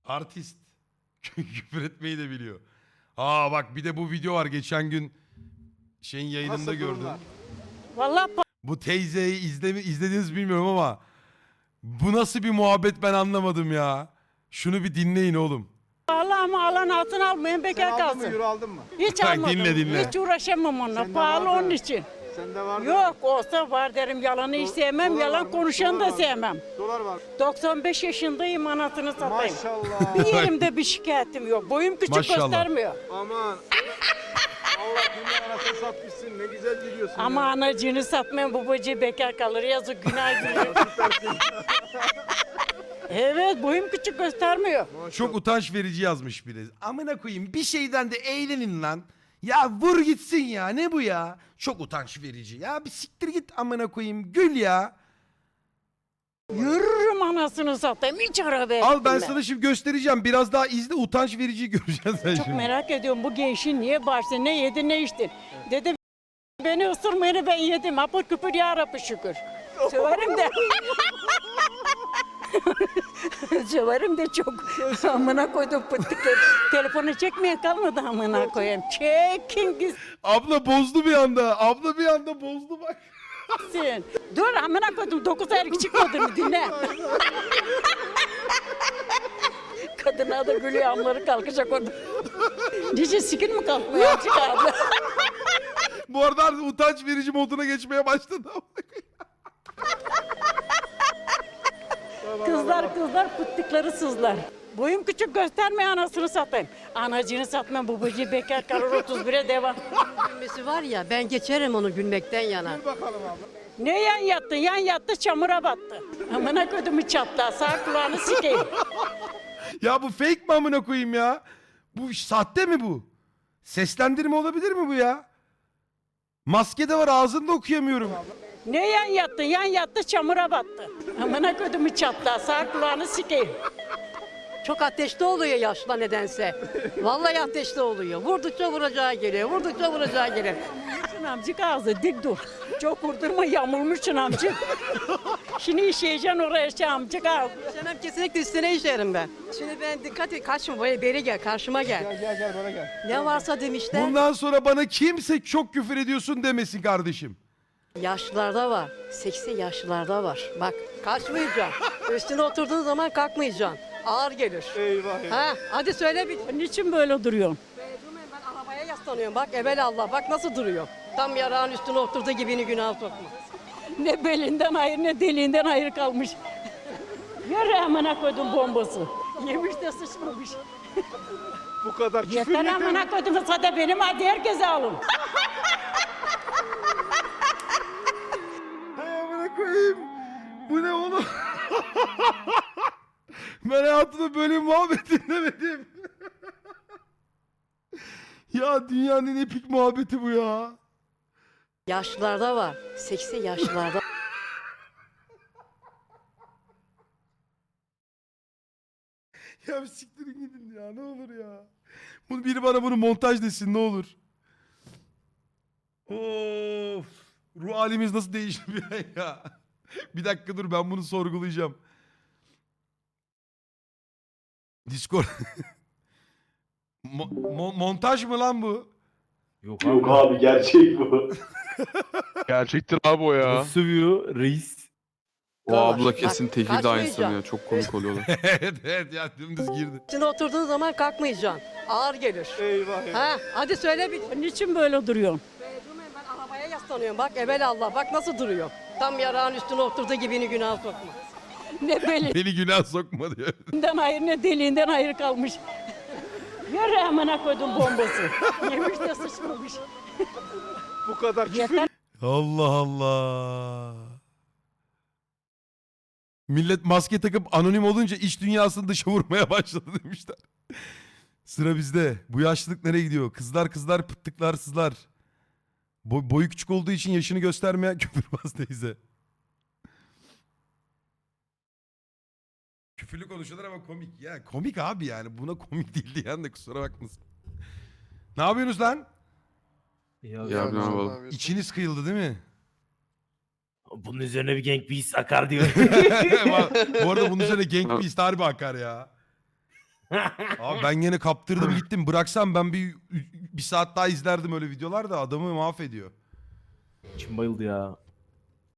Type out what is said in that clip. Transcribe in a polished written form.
Artist. Küfür etmeyi de biliyor. Aa bak bir de bu video var geçen gün şeyin yayınında Nasıl gördüm. durumlar? Vallahi Bu teyzeyi izlediniz bilmiyorum ama bu nasıl bir muhabbet ben anlamadım ya. Şunu bir dinleyin oğlum. pahalı ama alan altın almayın Sen bekar aldın mı? kalsın. Euro aldın mı? Hiç Bak, almadım. dinle. Hiç uğraşamam onunla. Sende Pahalı var da. onun için. Sende var mı? Yok olsa var derim yalanı hiç sevmem. Dolar var Yalan mı? konuşanı Dolar da var mı? sevmem. Dolar var. 95 yaşındayım anasını satayım. Maşallah. Bir yerimde bir şikayetim yok. Boyum küçük Maşallah. göstermiyor. Aman. Allah dünya anasını satmışsın. Ne güzel gidiyorsun Ama ya. anacığını satmayan babacığı bekar kalır. Yazık günah giriyor. Evet boyum küçük göstermiyor. Çok utanç verici yazmış biri. Amına koyayım bir şeyden de eğlenin lan. Ya vur gitsin ya ne bu ya? Çok utanç verici. Ya bir siktir git amına koyayım gül ya. Yürürüm anasını satayım. Hiç araba Al ben ettim sana şimdi göstereceğim. Biraz daha izle utanç vericiyi göreceksin sen Çok şimdi. merak ediyorum bu gençin niye bağırsın, ne yedi ne içti. Dedim beni ısırmayını ben yedim. Apır küpür ya Rabbi şükür. Severim de. Severim de çok. Amına koydum pıttıkları. Telefonu çekmeye kalmadı amına koyayım. Çekin Abla bozdu bir anda. Abla bir anda bozdu bak. gitsin. Dur amına koydum 9 aylık çıkmadığını dinle. Kadına da gülüyor amları kalkacak orada. Niçin sikir mi kalkmıyor azıcık abi? Bu arada artık utanç verici moduna geçmeye başladı. Kızlar pıttıkları sızlar. Boyum küçük gösterme anasını satayım. Anacını satmam babacığı bekar kalır 31'e devam. Gülmesi var ya ben geçerim onu gülmekten yana. Dur bakalım abla. Ne yan yattı? Yan yattı çamura battı. Amına kodumu çatla sağ kulağını sikeyim. Ya bu fake mi amına koyayım ya? Bu sahte mi bu? Seslendirme olabilir mi bu ya? Maske de var ağzını da okuyamıyorum. Ne yan yattı? Yan yattı çamura battı. Amına kodumu çatla sağ kulağını sikeyim. Çok ateşli oluyor yaşla nedense. Vallahi ateşli oluyor. Vurdukça vuracağı geliyor. Vurdukça vuracağı geliyor. Şun amcık ağzı dik dur. Çok vurdurma yamulmuşsun amcık. Şimdi işeyeceksin oraya şey amcık ağzı. İşemem kesinlikle üstüne işerim ben. Şimdi ben dikkat et kaçma böyle beri gel karşıma gel. Gel bana gel. Ne varsa demişler. Bundan sonra bana kimse çok küfür ediyorsun demesin kardeşim. Yaşlılarda var. Seksi yaşlılarda var. Bak kaçmayacaksın. Üstüne oturduğun zaman kalkmayacaksın. Ağır gelir. Eyvah eyvah. Ha, hadi söyle bir. Niçin böyle duruyorsun? Durmayın ben arabaya yaslanıyorum. Bak evvel Allah bak nasıl duruyor. Tam yarağın üstüne oturduğu gibini günah sokma. Ne belinden hayır ne deliğinden hayır kalmış. Yürü amına koydum bombası. Yemiş de sıçmamış. Bu kadar küfür Yeter yeter. amına koydum sada benim hadi herkese alın. Hay amına koyayım. Bu ne oğlum? Ben hayatımda böyle bir muhabbet dinlemedim. Ya dünyanın en epik muhabbeti bu ya. Yaşlılarda var. Seksi yaşlılarda. Ya bir siktirin gidin ya ne olur ya. Bunu biri bana bunu montaj desin ne olur. Of. Ruh halimiz nasıl değişti bir an ya. Bir dakika dur ben bunu sorgulayacağım. Discord. Montaj mı lan bu? Yok Yok abi gerçek bu. Gerçektir abi o ya. Nasıl sövüyor reis? O abla Bak, kesin tekil de aynısını kaçmayacağım. ya. Çok komik oluyorlar. Evet evet ya dümdüz girdi. Üstüne oturduğun zaman kalkmayacaksın. Ağır gelir. Eyvah eyvah. Ha, hadi söyle bir. Niçin böyle duruyorsun? Durmayın ben arabaya yaslanıyorum. Bak evvel Allah bak nasıl duruyor. Tam yarağın üstüne oturduğu gibini günah sokma. Ne belinden Beni günah sokma diyor. hayır ne deliğinden hayır kalmış. Yürü amına koydum bombası. Yemiş de sıçmamış. Bu kadar küfür Yeter Allah Allah. Millet maske takıp anonim olunca iç dünyasını dışa vurmaya başladı demişler. Sıra bizde. Bu yaşlılık nereye gidiyor? Kızlar pıttıklar sızlar. Boyu küçük olduğu için yaşını göstermeyen küfürbaz teyze. Küfürlü konuşuyorlar ama komik. Ya komik abi yani. Buna komik değil diyen de kusura bakmasın. Ne yapıyorsunuz lan? Ya, Ya ne yapalım. İçiniz kıyıldı değil mi? bunun üzerine bir Gang Beasts akar diyor. Bu arada bunun üzerine Gang Beast harbi akar ya. Abi ben yine kaptırdım gittim. Bıraksam ben bir saat daha izlerdim öyle videolar da adamı mahvediyor. İçim bayıldı ya.